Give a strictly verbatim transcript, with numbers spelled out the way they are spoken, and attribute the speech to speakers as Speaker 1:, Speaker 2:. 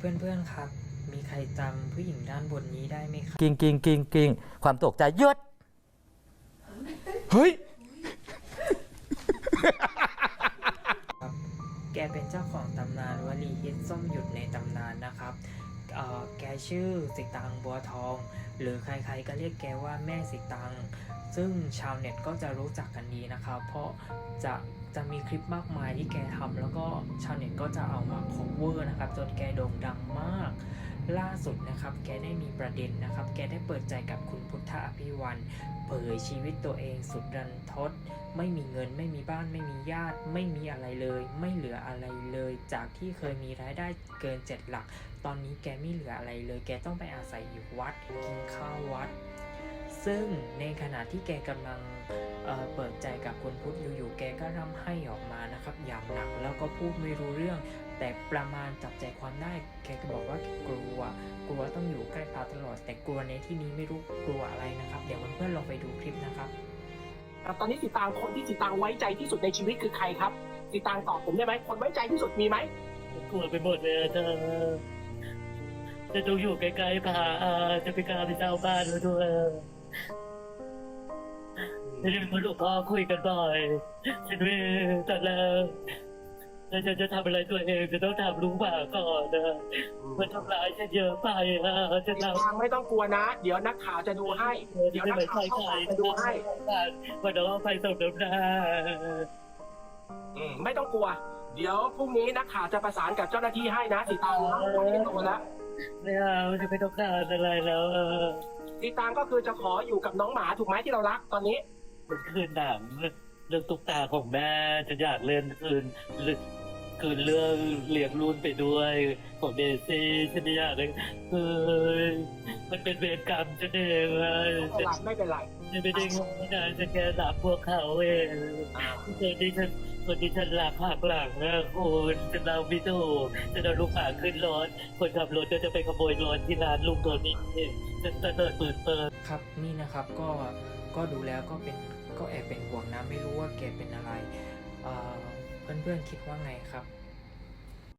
Speaker 1: เพื่อนๆครับมีใครจำผู้หญิงด้านบนนี้ได้ไหมครับ
Speaker 2: กิ้งกิ้งกิ้งกิ้งความตกใจหยุดเฮ้ย
Speaker 1: ครับแกเป็นเจ้าของตำนานวลีฮิตส้มหยุดในตำนานนะครับเอ่อแกชื่อสิตางบัวทอง หรือใครๆก็เรียกแกว่าแม่สิตางซึ่งชาวเน็ตก็จะรู้จักกันดีนะครับเพราะจะจะมีคลิปมากมายที่แกทำแล้วก็ชาวเน็ตก็จะเอามา cover นะครับจนแกโด่งดังมากล่าสุดนะครับแกได้มีประเด็นนะครับแกได้เปิดใจกับคุณพุทธอภิวันเผยชีวิตตัวเองสุดรันทดไม่มีเงินไม่มีบ้านไม่มีญาติไม่มีอะไรเลยไม่เหลืออะไรเลยจากที่เคยมีรายได้เกินเจ็ดหลักตอนนี้แกไม่เหลืออะไรเลยแกต้องไปอาศัยอยู่วัดกินข้าววัดซึ่งในขณะที่แกกำลังเอ่อเปิดใจกับคุณพุทธอยู่ๆแกก็ร่ำไห้ออกมานะครับอย่างหนักแล้วก็พูดไม่รู้เรื่องแต่ประมาณจับใจความได้แกก็บอกว่าแกกลัวกลัวต้องอยู่ใกล้พระตลอดแต่กลัวในที่นี้ไม่รู้กลัวอะไรนะครับเดี๋ยวเพื่อนๆลองไปดูคลิปนะครับ
Speaker 3: ตอนนี้สิตางคนที่สิตางไว้ใจที่สุดในชีวิตคือใครครับสิตางตอบผมได้ไหมคนไว้ใจที่สุดมีไหม
Speaker 4: กลัวไปหมดเลยเธอจะต้องอยู่ใกล้ๆพาจะไปกล้าไปเจ้าบ้านแล้วด้วยจะได้เป็นคนหลวงพ่อคุยกันบ่อยฉันไม่ตอนแรกถ้าฉันจะทำอะไรตัวเองจะต้องทำรู้ว่าก่อนนะมันทำร้ายฉันเยอะไปอ่ะจะ
Speaker 3: สิ
Speaker 4: ทำ
Speaker 3: ตางไม่ต้องกลัวนะ เดี๋ยวนักข่าวจะดูให้ เดี๋ยวนักข่าวเข้าไปดูให้
Speaker 4: วันน้องไปส่งน้ำหน้า
Speaker 3: อืมไม่ต้องกลัว เดี๋ยวพรุ่งนี้นักข่าวจะประสานกับเจ้าหน้าที่ให้นะสิตางนะวันนี้โตแล้ว
Speaker 4: ไม่เอาจะไม่ต้องการอะไรแล้วเออ
Speaker 3: สิตางก็คือจะขออยู่กับน้องหมาถูกไหมที่เรารักตอนนี้
Speaker 4: มันคืนหนังเรื่องตุ๊กตาของแม่จะอยากเล่นคืนคืนเรื่องเลี้ยงรุ่นไปด้วยของเดซี่ฉันไม่อยากเลยเฮ้ยมันเป็นเวรกรรมฉันเองเลย
Speaker 3: ไม่เป็นไรไม่เป็นไร
Speaker 4: ฉันไม่ได้งงนะฉันแค่รับพวกเขาเองคนที่ฉันคนที่ฉันรักหักหลังนะคุณฉันเราไม่ถูกฉันเอาลูกหมาขึ้นรถคนขับรถก็จะไปขโมยรถที่ร้านลุงตัวนี้ฉันเปิดเปิดเปิด
Speaker 1: ครับนี่นะครับก็ก็ดูแล้วก็เป็นก็แอบเป็นห่วงนะไม่รู้ว่าแกเป็นอะไรเอ่อเพื่อนๆคิดว่าไงครับ